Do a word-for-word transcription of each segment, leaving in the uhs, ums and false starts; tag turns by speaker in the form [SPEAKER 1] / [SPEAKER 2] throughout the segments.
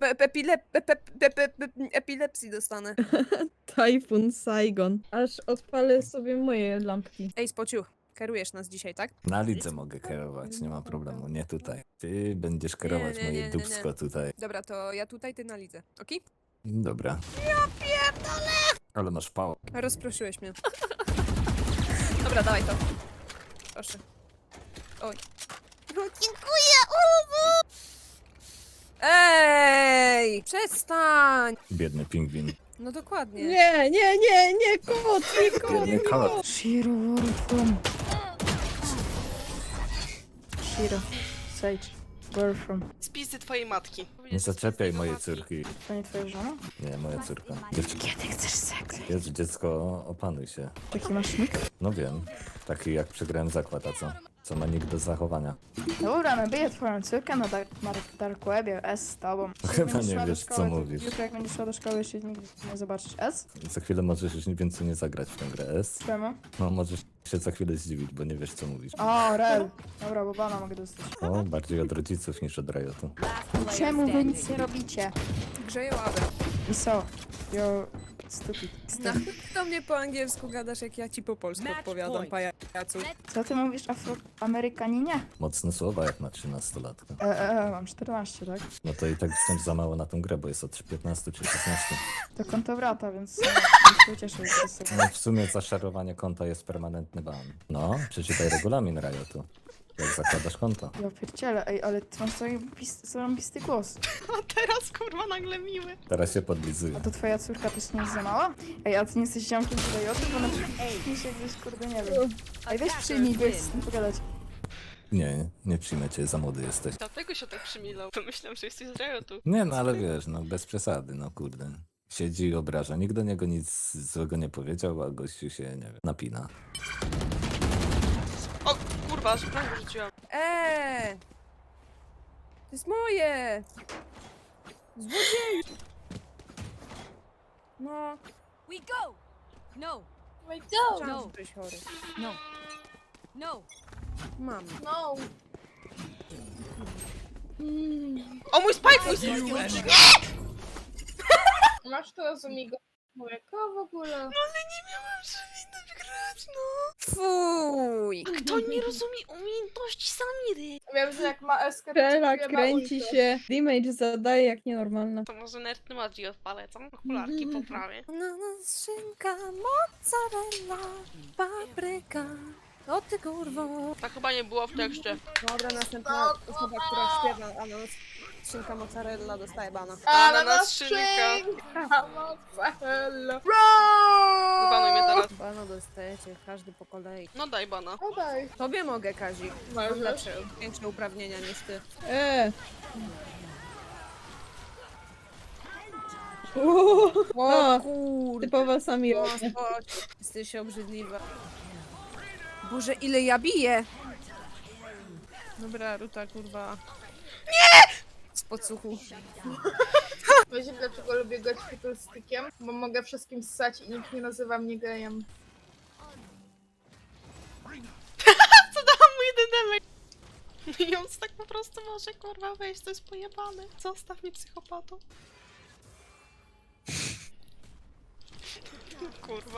[SPEAKER 1] epilepsji dostanę.
[SPEAKER 2] Typhoon Saigon. Aż odpalę sobie moje lampki.
[SPEAKER 1] Ej, Spociuch, kierujesz nas dzisiaj, tak?
[SPEAKER 3] Na lidze mogę kierować, nie ma problemu, nie tutaj. Ty będziesz kierować
[SPEAKER 1] nie, nie,
[SPEAKER 3] moje
[SPEAKER 1] nie, nie.
[SPEAKER 3] dupsko tutaj.
[SPEAKER 1] Dobra, to ja tutaj, ty na lidze, okej?
[SPEAKER 3] Dobra.
[SPEAKER 1] Ja pierdolę!
[SPEAKER 3] Ale masz pał.
[SPEAKER 1] Rozproszyłeś mnie. Dobra, dawaj to. Proszę. Oj. No, dziękuję! Uuu! Ej! Przestań!
[SPEAKER 3] Biedny pingwin.
[SPEAKER 1] No dokładnie.
[SPEAKER 2] Nie, nie, nie, nie, kot, nie, kot,
[SPEAKER 3] Biedny
[SPEAKER 2] nie,
[SPEAKER 3] kot.
[SPEAKER 2] kot. Shiro, where are you from? Shiro, Sage, where are you from?
[SPEAKER 4] Spisy twojej matki.
[SPEAKER 3] Nie zaczepiaj mojej córki.
[SPEAKER 2] To nie twoja żona?
[SPEAKER 3] Nie, moja córka. Dziewczynka.
[SPEAKER 2] Kiedy chcesz seks?
[SPEAKER 3] Jezu, dziecko, opanuj się.
[SPEAKER 2] Taki masz nick?
[SPEAKER 3] No wiem. Taki jak przegrałem zakład, a co? Co ma nikt do zachowania.
[SPEAKER 2] Dobra, nabiję twoją córkę na dark, dark, dark webie, S z tobą.
[SPEAKER 3] Chyba
[SPEAKER 2] Jak
[SPEAKER 3] nie
[SPEAKER 2] szła do
[SPEAKER 3] wiesz, co
[SPEAKER 2] szkoły, to
[SPEAKER 3] mówisz.
[SPEAKER 2] Jutro jak będziesz szła do szkoły, jeszcze nigdy nie zobaczysz S?
[SPEAKER 3] Za chwilę możesz już więcej nie zagrać w tę grę S.
[SPEAKER 2] Czemu?
[SPEAKER 3] No możesz się za chwilę zdziwić, bo nie wiesz co mówisz.
[SPEAKER 2] O, rel. Dobra, bo bana mogę dostać.
[SPEAKER 3] O, bardziej od rodziców niż od Riotu.
[SPEAKER 2] Czemu wy nic nie robicie?
[SPEAKER 1] Grzeję ławę.
[SPEAKER 2] I so, you're stupid.
[SPEAKER 1] No, do mnie po angielsku gadasz, jak ja ci po polsku odpowiadam, pajacu.
[SPEAKER 2] Co ty mówisz, afroamerykaninie?
[SPEAKER 3] Mocne słowa jak na trzynastolatka.
[SPEAKER 2] E, e, e, mam czternaście, tak?
[SPEAKER 3] No to i tak wciąż za mało na tą grę, bo jest od piętnastu czy szesnastu.
[SPEAKER 2] To konto brata, więc nie nie się ucieszę, że jest tak.
[SPEAKER 3] No w sumie zaszarowanie konta jest permanentny ban. No, przeczytaj regulamin Riotu. Jak zakładasz konto.
[SPEAKER 2] Ja pierdzielę, ej, ale ty masz zarąbisty, zarąbisty głos.
[SPEAKER 4] A teraz kurwa nagle miły.
[SPEAKER 3] Teraz się podlizuje.
[SPEAKER 2] A to twoja córka też nie jest za mała? Ej, a ty nie jesteś ziomkiem tutaj o tym, bo na przykład się gdzieś, kurde, nie wiem. Ej, weź przyjmij, bo chcę z tym pogadać.
[SPEAKER 3] Nie, nie przyjmę cię, za młody jesteś.
[SPEAKER 4] Dlatego się tak przymilał. Pomyślałem, że jesteś z Riotu.
[SPEAKER 3] Nie, no ale wiesz, no bez przesady, no kurde. Siedzi i obraża. Nikt do niego nic złego nie powiedział, a gościu się, nie wiem, napina.
[SPEAKER 4] O kurwa, aż prawie rzuciłam.
[SPEAKER 1] Eee! To jest moje! Złodziej! No,
[SPEAKER 5] We go! No,
[SPEAKER 6] We go!
[SPEAKER 1] chciałam,
[SPEAKER 5] No.
[SPEAKER 1] że byłeś chory.
[SPEAKER 5] no, no.
[SPEAKER 1] Mam.
[SPEAKER 6] No!
[SPEAKER 4] O mój spike, mój spike!
[SPEAKER 6] Masz to rozumiego człowieka w ogóle?
[SPEAKER 4] No ale nie miałam przewinąć grać, no.
[SPEAKER 1] Fuj!
[SPEAKER 4] Kto nie rozumie umiejętności Samiry?
[SPEAKER 6] Wiem, że jak ma eskę, to
[SPEAKER 2] Stella
[SPEAKER 6] ciebie ma
[SPEAKER 2] kręci
[SPEAKER 6] ultę.
[SPEAKER 2] się. Damage zadaje jak nienormalna.
[SPEAKER 4] To może nerdny Magi odpalę, co? Okularki poprawię.
[SPEAKER 1] Ananas, szynka, mozzarella, papryka. O ty kurwo.
[SPEAKER 4] Tak chyba nie było w tekście.
[SPEAKER 1] Dobra, następna osoba, która śpiewa ananas, szynka, mozzarella dostaje bana.
[SPEAKER 4] Ananas, szynka.
[SPEAKER 6] szynka, mozzarella.
[SPEAKER 4] Wybanuj mnie teraz.
[SPEAKER 1] Bana dostajecie, każdy po kolei.
[SPEAKER 4] No daj bana.
[SPEAKER 6] No daj.
[SPEAKER 1] Tobie mogę, Kazik. Mam
[SPEAKER 6] Możesz.
[SPEAKER 1] lepsze, większe uprawnienia niż ty.
[SPEAKER 2] Eee. Uuu,
[SPEAKER 1] O
[SPEAKER 2] o,
[SPEAKER 1] kurde.
[SPEAKER 2] typowa Samira.
[SPEAKER 1] O, chodź. Jesteś obrzydliwa. Boże, ile ja biję! Dobra, Ruta, kurwa. Nie! Z podsłuchu.
[SPEAKER 6] Wiecie dlaczego lubię grać fiddlestickiem? Bo mogę wszystkim ssać i nikt nie nazywa mnie gejem.
[SPEAKER 4] Co dałam mu jeden damage? I on tak po prostu może kurwa wejść, to jest pojebane. Zostaw mnie psychopatą. Kurwa.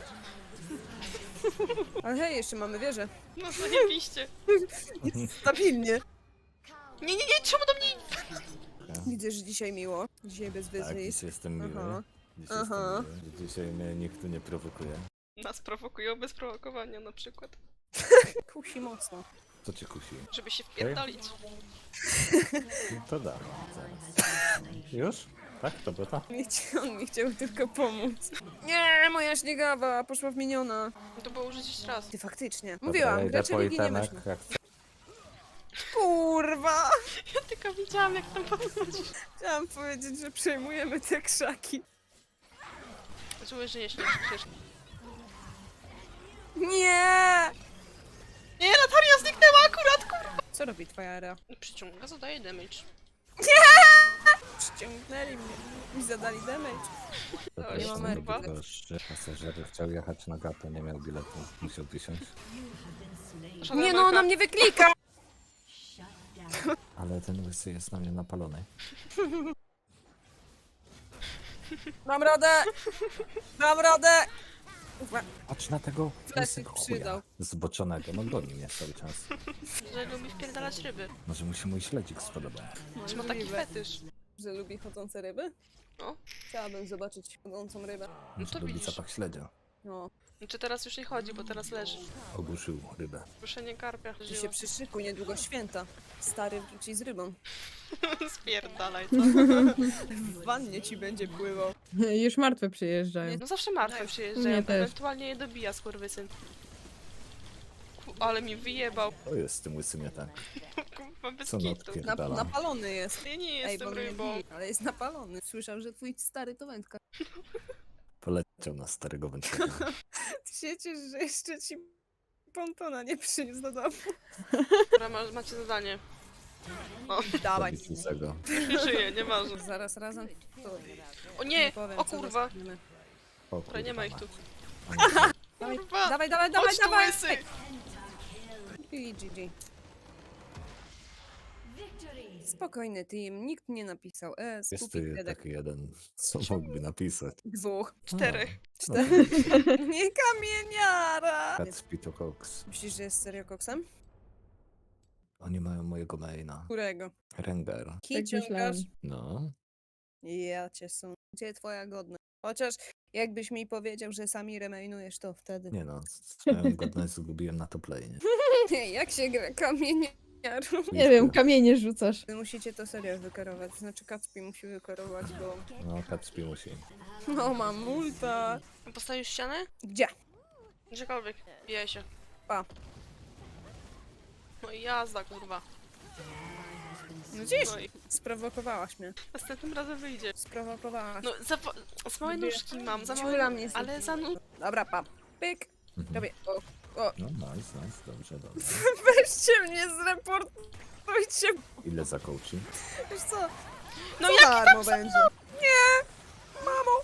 [SPEAKER 1] Ale hej, jeszcze mamy wieżę.
[SPEAKER 4] No zajebiście.
[SPEAKER 1] Stabilnie.
[SPEAKER 4] Nie, nie, nie, czemu do mnie...
[SPEAKER 1] Widzę, że dzisiaj miło. Dzisiaj bez
[SPEAKER 3] Tak,
[SPEAKER 1] wyzwisk.
[SPEAKER 3] dziś jestem miły.
[SPEAKER 1] Aha.
[SPEAKER 3] Dziś
[SPEAKER 1] Aha.
[SPEAKER 3] jestem miły. że Dzisiaj mnie nikt tu nie prowokuje.
[SPEAKER 4] Nas prowokują bez prowokowania na przykład.
[SPEAKER 1] Kusi mocno.
[SPEAKER 3] Co cię kusi?
[SPEAKER 4] Żeby się wpierdolić.
[SPEAKER 3] No to dam, zaraz. Już? Tak? To było to?
[SPEAKER 1] Nie chci- On mi chciał tylko pomóc. Nie, moja śniegawa poszła w miniona.
[SPEAKER 4] To było użyć jeszcze raz.
[SPEAKER 1] Ty faktycznie.
[SPEAKER 3] Dobra,
[SPEAKER 1] Mówiłam,
[SPEAKER 3] ja idę
[SPEAKER 1] gracze
[SPEAKER 3] po
[SPEAKER 1] ligi nie
[SPEAKER 3] itemek,
[SPEAKER 1] myślą.
[SPEAKER 3] jak chcę.
[SPEAKER 1] Kurwa!
[SPEAKER 4] Ja tylko widziałam jak tam podchodzisz.
[SPEAKER 1] Chciałam powiedzieć, że przejmujemy te krzaki.
[SPEAKER 4] Czuję, że jeszcze przecież.
[SPEAKER 1] Nie!
[SPEAKER 4] Nie, Natalia zniknęła akurat, kurwa!
[SPEAKER 1] Co robi twoja era?
[SPEAKER 4] Przyciąga, zadaje damage.
[SPEAKER 1] Przyciągnęli mnie i zadali damage.
[SPEAKER 3] To
[SPEAKER 4] Nie
[SPEAKER 3] też
[SPEAKER 1] ma
[SPEAKER 3] nie
[SPEAKER 1] Ameryki.
[SPEAKER 3] tylko, że pasażer chciał jechać na gato, nie miał biletu, musiał wysiąść.
[SPEAKER 4] Żadna
[SPEAKER 1] Nie no,
[SPEAKER 4] walka.
[SPEAKER 1] ona mnie wyklika!
[SPEAKER 3] Ale ten łysy jest na mnie napalony.
[SPEAKER 1] Dam radę! Dam radę! Uwa,
[SPEAKER 3] Patrz na tego
[SPEAKER 1] Fleszyk
[SPEAKER 3] łysego
[SPEAKER 1] przydał.
[SPEAKER 3] chuja zboczonego, no goni mnie cały czas.
[SPEAKER 4] Że lubi wpierdalać ryby.
[SPEAKER 3] Może mu się mój śledzik spodobał.
[SPEAKER 4] Czy ma taki
[SPEAKER 1] Możliwe,
[SPEAKER 4] fetysz?
[SPEAKER 1] że lubi chodzące ryby?
[SPEAKER 4] No.
[SPEAKER 1] Chciałabym zobaczyć chodzącą rybę.
[SPEAKER 3] Może
[SPEAKER 4] to
[SPEAKER 3] lubi
[SPEAKER 4] widzisz.
[SPEAKER 3] zapach śledzia.
[SPEAKER 1] No,
[SPEAKER 4] Czy teraz już nie chodzi, bo teraz leży.
[SPEAKER 3] Ogłuszył rybę.
[SPEAKER 4] Ruszenie karpia.
[SPEAKER 1] ty się przyszykuj, niedługo święta. Stary wróci z rybą.
[SPEAKER 4] Spierdalaj, co?
[SPEAKER 1] W wannie ci będzie pływał.
[SPEAKER 7] Już martwe przyjeżdżają.
[SPEAKER 4] No zawsze martwe
[SPEAKER 7] Nie
[SPEAKER 4] przyjeżdżają,
[SPEAKER 7] też.
[SPEAKER 4] ewentualnie je dobija skurwysyn. Ku- Ale mi wyjebał.
[SPEAKER 3] To jest z tym łysym nie tak.
[SPEAKER 4] Kurwa, bez
[SPEAKER 3] Co
[SPEAKER 4] kitu.
[SPEAKER 3] notki?
[SPEAKER 1] Na,
[SPEAKER 3] Dala.
[SPEAKER 1] napalony jest.
[SPEAKER 4] Ja nie
[SPEAKER 1] Ej,
[SPEAKER 4] jestem
[SPEAKER 1] bo mnie
[SPEAKER 4] rybą.
[SPEAKER 1] bije, ale jest napalony. Słyszał, że twój stary to wędka.
[SPEAKER 3] Poleciał na starego wędkarza.
[SPEAKER 1] Ty się ciesz, że jeszcze ci pontona nie przyniósł do domu.
[SPEAKER 4] Dobra, ma, macie zadanie. O,
[SPEAKER 1] Dawaj.
[SPEAKER 3] Zabić łysego.
[SPEAKER 4] nie żyje, nieważne.
[SPEAKER 1] Zaraz razem to
[SPEAKER 4] O nie!
[SPEAKER 1] powiem,
[SPEAKER 4] O
[SPEAKER 1] co
[SPEAKER 4] kurwa!
[SPEAKER 1] dostaniemy.
[SPEAKER 3] O,
[SPEAKER 4] Dobra, nie ma ich tu.
[SPEAKER 1] Dawaj,
[SPEAKER 4] Kurwa!
[SPEAKER 1] dawaj, dawaj, dawaj,
[SPEAKER 4] Chodź tu,
[SPEAKER 1] dawaj!
[SPEAKER 4] łysy!
[SPEAKER 1] I G G. Spokojny team, nikt nie napisał E,
[SPEAKER 3] Jest
[SPEAKER 1] skupi
[SPEAKER 3] tu
[SPEAKER 1] dedek.
[SPEAKER 3] taki jeden, co mógłby napisać.
[SPEAKER 1] Dwóch.
[SPEAKER 4] Czterech.
[SPEAKER 3] No,
[SPEAKER 1] Nie kamieniara!
[SPEAKER 3] Catspito Cox.
[SPEAKER 1] Myślisz, że jest serio koksem?
[SPEAKER 3] Oni mają mojego maina.
[SPEAKER 1] Którego?
[SPEAKER 3] Rengar.
[SPEAKER 1] Kij
[SPEAKER 7] myślałem.
[SPEAKER 1] ciągasz?
[SPEAKER 3] No.
[SPEAKER 1] Ja cię są. Gdzie twoja godność? Chociaż jakbyś mi powiedział, że sami remainujesz, to wtedy.
[SPEAKER 3] Nie no, swoją godność zgubiłem na top lane.
[SPEAKER 1] Nie, jak się gra kamieniarą?
[SPEAKER 7] Nie wiem, kamienie rzucasz.
[SPEAKER 1] Wy musicie to serio wykorować. Znaczy Kacpi musi wykorować, bo...
[SPEAKER 3] No, Catspy musi.
[SPEAKER 1] No mam multa.
[SPEAKER 4] Postawisz ścianę?
[SPEAKER 1] Gdzie?
[SPEAKER 4] Gdziekolwiek. Bijaj się.
[SPEAKER 1] Pa.
[SPEAKER 4] No i jazda, kurwa.
[SPEAKER 1] No gdzieś?
[SPEAKER 4] No i
[SPEAKER 1] Sprowokowałaś mnie.
[SPEAKER 4] następnym razem wyjdzie.
[SPEAKER 1] Sprowokowałaś.
[SPEAKER 4] No, za, wa- za małe nóżki mam, za
[SPEAKER 1] Ciula
[SPEAKER 4] małe...
[SPEAKER 1] mnie
[SPEAKER 4] Ale za nóż...
[SPEAKER 1] Dobra, pa. Pyk.
[SPEAKER 3] Mhm.
[SPEAKER 1] Robię. O, o.
[SPEAKER 3] No, nice, nice, dobrze, dobrze.
[SPEAKER 1] Weźcie mnie, zreportujcie.
[SPEAKER 3] Ile za coaching?
[SPEAKER 1] Wiesz co?
[SPEAKER 4] No
[SPEAKER 1] Co
[SPEAKER 4] jak...
[SPEAKER 1] darmo będzie. Nie! Mamo!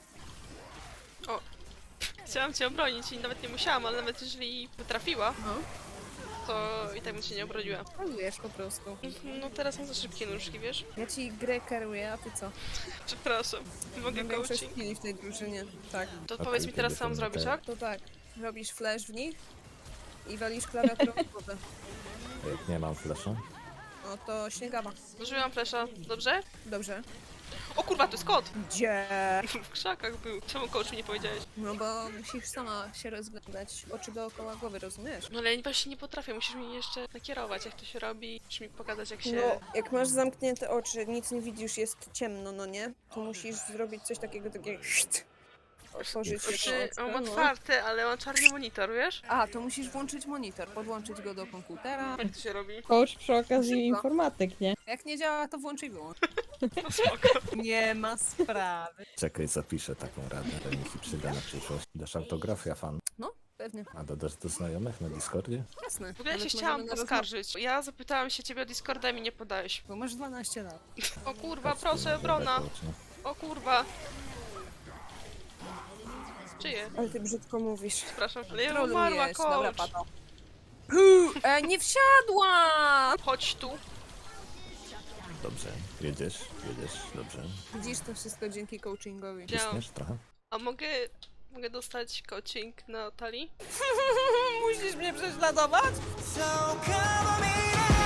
[SPEAKER 4] Chciałam cię obronić i nawet nie musiałam, ale nawet jeżeli potrafiła,
[SPEAKER 1] No.
[SPEAKER 4] to i tak bym cię nie obroniła.
[SPEAKER 1] Polujesz po prostu.
[SPEAKER 4] No teraz mam za szybkie nóżki, wiesz?
[SPEAKER 1] Ja ci grę kieruję, a ty co?
[SPEAKER 4] Przepraszam. Mogę
[SPEAKER 1] Mam większość
[SPEAKER 4] coaching?
[SPEAKER 1] chwili w tej drużynie. Tak.
[SPEAKER 4] To
[SPEAKER 3] Okej,
[SPEAKER 4] powiedz mi teraz, co mam
[SPEAKER 3] kiedy
[SPEAKER 4] zrobić,
[SPEAKER 3] to
[SPEAKER 4] tak?
[SPEAKER 1] To tak. Robisz flash w nich i walisz klawiaturą w głowę.
[SPEAKER 3] Jak nie mam flasha?
[SPEAKER 1] No to śniegawa.
[SPEAKER 4] Zużyłam flesza, dobrze?
[SPEAKER 1] Dobrze.
[SPEAKER 4] O kurwa, to jest kot!
[SPEAKER 1] Gdzie?
[SPEAKER 4] W krzakach był. Czemu coach mi nie powiedziałeś?
[SPEAKER 1] No bo musisz sama się rozglądać. Oczy dookoła głowy, rozumiesz?
[SPEAKER 4] No ale ja właśnie nie potrafię, musisz mi jeszcze nakierować, jak to się robi, musisz mi pokazać, jak się...
[SPEAKER 1] No, jak masz zamknięte oczy, nic nie widzisz, jest ciemno, no nie? To musisz zrobić coś takiego, takiego... Otworzyć
[SPEAKER 4] Znaczy,
[SPEAKER 1] jedno
[SPEAKER 4] mam
[SPEAKER 1] oczko, no.
[SPEAKER 4] otwarte, ale mam czarny monitor, wiesz?
[SPEAKER 1] A, to musisz włączyć monitor, podłączyć go do komputera.
[SPEAKER 4] Jak to się robi?
[SPEAKER 7] Coach przy okazji
[SPEAKER 1] Szybko.
[SPEAKER 7] informatyk, nie?
[SPEAKER 1] Jak nie działa, to włącz i wyłącz.
[SPEAKER 4] No spoko.
[SPEAKER 1] Nie ma sprawy.
[SPEAKER 3] Czekaj, zapiszę taką radę, to mi się przyda na przyszłość. Dasz autografia fan.
[SPEAKER 1] No, pewnie.
[SPEAKER 3] A dodasz do znajomych na Discordzie?
[SPEAKER 1] Jasne.
[SPEAKER 4] W ogóle ja się
[SPEAKER 1] Nawet
[SPEAKER 4] chciałam
[SPEAKER 1] możemy na
[SPEAKER 4] poskarżyć. Ja zapytałam się ciebie o Discorda i mi nie podałeś.
[SPEAKER 1] rozmowę, Bo masz dwanaście lat.
[SPEAKER 4] O kurwa,
[SPEAKER 3] Catspy
[SPEAKER 4] proszę,
[SPEAKER 3] ma
[SPEAKER 4] obrona!
[SPEAKER 3] dobre coachy.
[SPEAKER 4] O kurwa! Czyje?
[SPEAKER 1] Ale ty brzydko mówisz.
[SPEAKER 4] Przepraszam, ale ja umarła,
[SPEAKER 1] Trolujesz. Dobra,
[SPEAKER 4] coach!
[SPEAKER 1] pato. E, nie wsiadłam!
[SPEAKER 4] Chodź tu!
[SPEAKER 3] Dobrze, jedziesz, jedziesz, dobrze.
[SPEAKER 1] Widzisz, to wszystko dzięki coachingowi.
[SPEAKER 4] Widziałam.
[SPEAKER 3] Ciśniesz trochę?
[SPEAKER 4] A mogę... Mogę dostać coaching na talii?
[SPEAKER 1] Musisz mnie prześladować?
[SPEAKER 8] So come on in.